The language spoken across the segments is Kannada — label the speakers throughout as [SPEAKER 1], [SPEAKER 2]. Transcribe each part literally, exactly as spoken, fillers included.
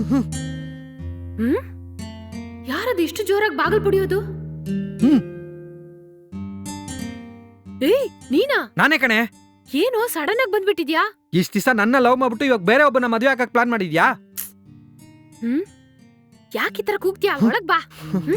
[SPEAKER 1] ಹ್ಮ್ ಯಾರದು ಇಷ್ಟು ಜೋರಾಗಿ ಬಾಗಲ್ ಪುಡಿಯೋದು?
[SPEAKER 2] ಹ್ಮ್
[SPEAKER 1] ಏಯ್ ನೀನಾ?
[SPEAKER 2] ನಾನೇ ಕಣೆ.
[SPEAKER 1] ಏನೋ ಸಡನ್ ಆಗಿ ಬಂದ್ಬಿಟ್ಟಿದ್ಯಾ?
[SPEAKER 2] ಇಷ್ಟ ದಿವಸ ನನ್ನ ಲವ್ ಮಾಡ್ಬಿಟ್ಟು ಇವಾಗ ಬೇರೆ ಒಬ್ಬನ ಮದುವೆ ಆಗಕ್ ಪ್ಲಾನ್ ಮಾಡಿದ್ಯಾ?
[SPEAKER 1] ಹ್ಮ್ ಯಾಕೆ ಈ ತರ ಕೂಗ್ತೀಯಾ? ಒಳಗ್ ಬಾ.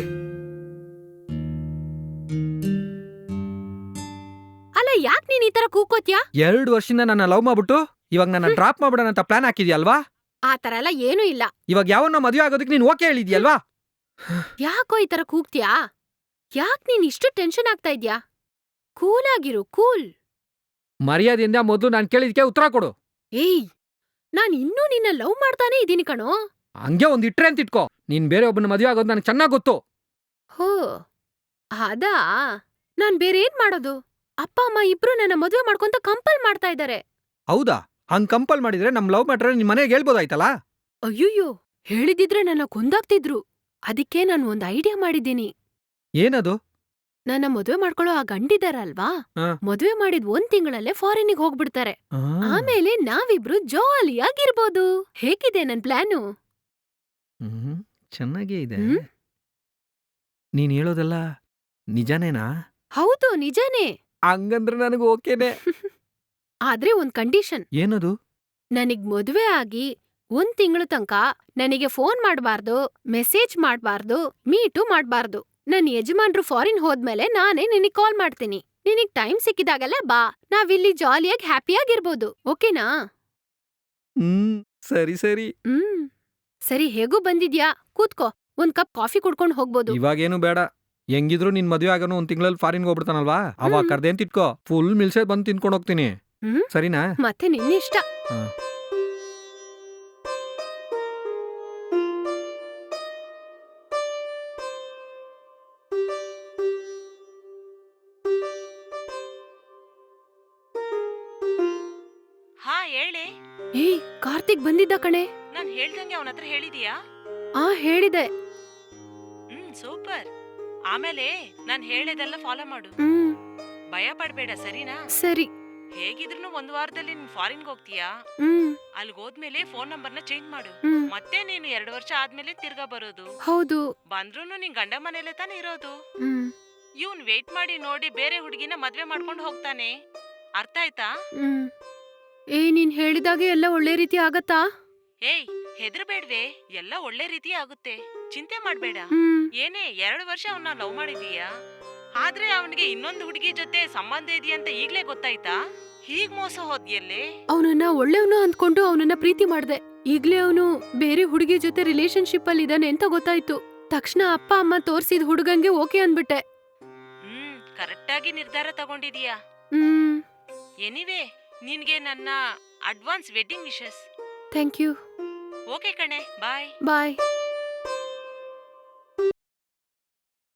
[SPEAKER 1] ಅಲ್ಲ ಯಾಕೆ ನೀನ್ ಈ ತರ ಕೂಗ್ಕೋತ್ಯಾ?
[SPEAKER 2] ಎರಡು ವರ್ಷದಿಂದ ನನ್ನ ಲವ್ ಮಾಡ್ಬಿಟ್ಟು ಇವಾಗ ನನ್ನ ಡ್ರಾಪ್ ಮಾಡ್ಬಿಡೋಣ ಅಂತ ಪ್ಲಾನ್ ಹಾಕಿದ್ಯಲ್ವಾ?
[SPEAKER 1] ಆ ತರ ಎಲ್ಲ ಏನೂ ಇಲ್ಲ.
[SPEAKER 2] ಇವಾಗ ಯಾವನ್ನ ಮದುವೆ ಆಗೋದಕ್ಕೆ ನೀನ್ ಓಕೆ ಹೇಳಿದ್ಯಲ್ವಾ?
[SPEAKER 1] ಯಾಕೋ ಈ ತರ ಕೂಗ್ತೀಯಾ? ಯಾಕ್ ನೀನ್ ಇಷ್ಟು ಟೆನ್ಷನ್ ಆಗ್ತಾ ಇದ್ಯಾ? ಕೂಲ್ ಆಗಿರು, ಕೂಲ್.
[SPEAKER 2] ಮರ್ಯಾದೆಯಿಂದ ಮೊದಲು ನಾನು ಕೇಳಿದ್ಕೆ ಉತ್ತರ ಕೊಡು.
[SPEAKER 1] ಏಯ್ ನಾನ್ ಇನ್ನೂ ನಿನ್ನ ಲವ್ ಮಾಡ್ತಾನೆ ಇದೀನಿ ಕಣೋ.
[SPEAKER 2] ಹಂಗೆ ಒಂದ್ ಇಟ್ರೆ ಅಂತ ಇಟ್ಕೋ. ನೀನ್ ಬೇರೆ ಒಬ್ಬನ ಮದುವೆ ಆಗೋದು ನನಗೆ ಚೆನ್ನಾಗ್ ಗೊತ್ತು.
[SPEAKER 1] ಹೋ ಅದಾ? ನಾನ್ ಬೇರೆ ಏನ್ ಮಾಡೋದು? ಅಪ್ಪ ಅಮ್ಮ ಇಬ್ರು ನನ್ನ ಮದುವೆ ಮಾಡ್ಕೊಂತ ಕಂಪಲ್ ಮಾಡ್ತಾ ಇದಾರೆ.
[SPEAKER 2] ಹೌದಾ? ಹಂಗ್ ಕಂಪಲ್ ಮಾಡಿದ್ರೆ ನಮ್ ಲವ್ ಮ್ಯಾಟ್ರ್ ನಿಮ್ ಮನೆಗೆ ಹೇಳ್ಬೋದಾಯ್ತಲ್ಲ?
[SPEAKER 1] ಅಯ್ಯಯ್ಯೋ ಹೇಳಿದಿದ್ರೆ ನನ್ನ ಕೊಂದಾಗ್ತಿದ್ರು. ಅದಕ್ಕೆ ನಾನು ಒಂದ್ ಐಡಿಯಾ ಮಾಡಿದ್ದೀನಿ.
[SPEAKER 2] ಏನದು?
[SPEAKER 1] ನನ್ನ ಮದುವೆ ಮಾಡ್ಕೊಳ್ಳೋ ಆ ಗಂಡಿದಾರಲ್ವಾ,
[SPEAKER 2] ಹಾ.
[SPEAKER 1] ಮದುವೆ ಮಾಡಿದ್ ಒಂದ್ ತಿಂಗಳಲ್ಲೇ ಫಾರಿನಿಗೆ ಹೋಗ್ಬಿಡ್ತಾರೆ.
[SPEAKER 2] ಆ.
[SPEAKER 1] ಆಮೇಲೆ ನಾವಿಬ್ರು ಜಾಲಿಯಾಗಿರ್ಬೋದು. ಹೇಗಿದೆ ನನ್ ಪ್ಲಾನು?
[SPEAKER 2] ಹ್ಮ್ ಚೆನ್ನಾಗೇ ಇದೆ.
[SPEAKER 1] ಹ್ಮ್?
[SPEAKER 2] ನೀನ್ ಹೇಳೋದೆಲ್ಲ ನಿಜಾನೇನಾ?
[SPEAKER 1] ಹೌದು ನಿಜಾನೇ.
[SPEAKER 2] ಹಂಗಂದ್ರೆ ನನಗೆ ಓಕೆನೆ.
[SPEAKER 1] ಆದ್ರೆ ಒಂದ್ ಕಂಡೀಷನ್.
[SPEAKER 2] ಏನದು?
[SPEAKER 1] ನನಗ್ ಮದುವೆ ಆಗಿ ಒಂದ್ ತಿಂಗಳು ತನಕ ನನಗೆ ಫೋನ್ ಮಾಡ್ಬಾರ್ದು, ಮೆಸೇಜ್ ಮಾಡ್ಬಾರ್ದು, ಮೀಟು ಮಾಡ್ಬಾರ್ದು. ನನ್ ಯಜಮಾನ್ರು ಫಾರಿನ್ ಹೋದ್ಮೇಲೆ ನಾನೇ ನಿನಗ್ ಕಾಲ್ ಮಾಡ್ತೀನಿ. ನಿನಗ್ ಟೈಮ್ ಸಿಕ್ಕಿದಾಗೆಲ್ಲ ಬಾ. ನಾವಿಲ್ಲಿ ಜಾಲಿಯಾಗಿ ಹ್ಯಾಪಿಯಾಗಿರ್ಬೋದು. ಓಕೆನಾ?
[SPEAKER 2] ಹ್ಮ್ ಸರಿ ಸರಿ.
[SPEAKER 1] ಹ್ಮ್ ಸರಿ, ಹೇಗೂ ಬಂದಿದ್ಯಾ, ಕೂತ್ಕೋ. ಒಂದ್ ಕಪ್ ಕಾಫಿ ಕುಡ್ಕೊಂಡ್ ಹೋಗ್ಬೋದು.
[SPEAKER 2] ಇವಾಗೇನು ಬೇಡ. ಹೆಂಗಿದ್ರು ನಿನ್ ಮದ್ವೆ ಆಗೋನು ಒಂದ್ ತಿಂಗಳಲ್ಲಿ ಫಾರಿನ್ಗೆ ಹೋಗ್ಬಿಡ್ತಾನಲ್ವಾ, ಅವಾಗ
[SPEAKER 1] ಹ್ಮ್.
[SPEAKER 2] ಕರ್ದೇನ್ ತಿಟ್ಕೋ. ಫುಲ್ ಮಿಲ್ಸೆ ಬಂದು ತಿನ್ಕೊಂಡು ಹೋಗ್ತೀನಿ.
[SPEAKER 1] ಹ್ಮ್
[SPEAKER 2] ಸರಿನಾ?
[SPEAKER 1] ಮತ್ತೆ ನಿನ್ನಿಷ್ಟ.
[SPEAKER 2] ಹಾ.
[SPEAKER 3] ಹಾ ಹೇಳಿ.
[SPEAKER 1] ಏಯ್ ಕಾರ್ತಿಕ್ ಬಂದಿದ್ದ ಕಣೆ.
[SPEAKER 3] ನಾನ್ ಹೇಳ್ದಂಗೆ ಅವನ ಹತ್ರ ಹೇಳಿದೀಯಾ?
[SPEAKER 1] ಆ ಹೇಳಿದೆ.
[SPEAKER 3] ಹ್ಮ್ ಸೂಪರ್. ಆಮೇಲೆ ನಾನ್ ಹೇಳಿದೆಲ್ಲ ಫಾಲೋ ಮಾಡು.
[SPEAKER 1] ಹ್ಮ್
[SPEAKER 3] ಭಯ ಪಡ್ಬೇಡ, ಸರಿನಾ?
[SPEAKER 1] ಸರಿ.
[SPEAKER 3] ಹೇಗಿದ್ರು ಒಂದ್ ವಾರದಲ್ಲಿ ನೀನ್ ಫಾರಿನ್ಗೆ ಹೋಗ್ತೀಯಾ?
[SPEAKER 1] ಹ್ಮ್
[SPEAKER 3] ಅಲ್ಗ್ ಹೋದ್ಮೇಲೆ ಫೋನ್ ನಂಬರ್ನ ಚೇಂಜ್ ಮಾಡು.
[SPEAKER 1] ಹ್ಮ್
[SPEAKER 3] ಮತ್ತೆ ನೀನು ಎರಡು ವರ್ಷ ಆದ್ಮೇಲೆ ತಿರ್ಗಾ ಬರೋದು.
[SPEAKER 1] ಹೌದು.
[SPEAKER 3] ಬಂದ್ರೂನು ನಿನ್ ಗಂಡ ಮನೇಲೆ ತಾನೇ ಇರೋದು.
[SPEAKER 1] ಹ್ಮ್
[SPEAKER 3] ಇವ್ನ್ ವೇಟ್ ಮಾಡಿ ನೋಡಿ ಬೇರೆ ಹುಡುಗಿನ ಮದ್ವೆ ಮಾಡ್ಕೊಂಡು ಹೋಗ್ತಾನೆ. ಅರ್ಥ ಆಯ್ತಾ?
[SPEAKER 1] ಹ್ಮ್ ಏ ನೀನ್ ಹೇಳಿದಾಗೆ ಎಲ್ಲ ಒಳ್ಳೆ ರೀತಿ ಆಗತ್ತಾ?
[SPEAKER 3] ಏಯ್ ಹೆದರ್ಬೇಡ್ವೆ, ಎಲ್ಲ ಒಳ್ಳೆ ರೀತಿ ಆಗುತ್ತೆ. ಚಿಂತೆ ಮಾಡ್ಬೇಡ.
[SPEAKER 1] ಹ್ಮ್
[SPEAKER 3] ಏನೇ ಎರಡು ವರ್ಷ ಅವನ್ನ ಲವ್ ಮಾಡಿದೀಯಾ, ಆದ್ರೆ ಅವನಿಗೆ ಇನ್ನೊಂದು ಹುಡುಗಿ ಜೊತೆ ಸಂಬಂಧ ಇದೆಯಂತ ಈಗ್ಲೇ ಗೊತ್ತಾಯ್ತಾ? ಹೀಗ್ ಮೋಸ ಹೋದ್ಯಲ್ಲೇ.
[SPEAKER 1] ಅವನನ್ನ ಒಳ್ಳೆಯವನು ಅಂದ್ಕೊಂಡು ಅವನನ್ನ ಪ್ರೀತಿ ಮಾಡ್ದೆ. ಈಗ್ಲೇ ಅವನು ಬೇರೆ ಹುಡುಗಿ ಜೊತೆ ರಿಲೇಶನ್ಶಿಪ್ ಅಲ್ಲಿ ಇದಾನೆ ಅಂತ ಗೊತ್ತಾಯ್ತು. ತಕ್ಷಣ ಅಪ್ಪ ಅಮ್ಮ ತೋರ್ಸಿದ್ ಹುಡುಗಂಗೆ ಓಕೆ ಅಂದ್ಬಿಟ್ಟೆ.
[SPEAKER 3] ಹ್ಮ್ ಕರೆಕ್ಟ್ ಆಗಿ ನಿರ್ಧಾರ ತಗೊಂಡಿದೀಯಾ.
[SPEAKER 1] ಹ್ಮ್
[SPEAKER 3] ಎನಿವೆ, ನಿನ್ಗೆ ನನ್ನ advance wedding wishes.
[SPEAKER 1] Thank you.
[SPEAKER 3] Okay ಕಣೆ, ಬಾಯ್.
[SPEAKER 1] ಬಾಯ್.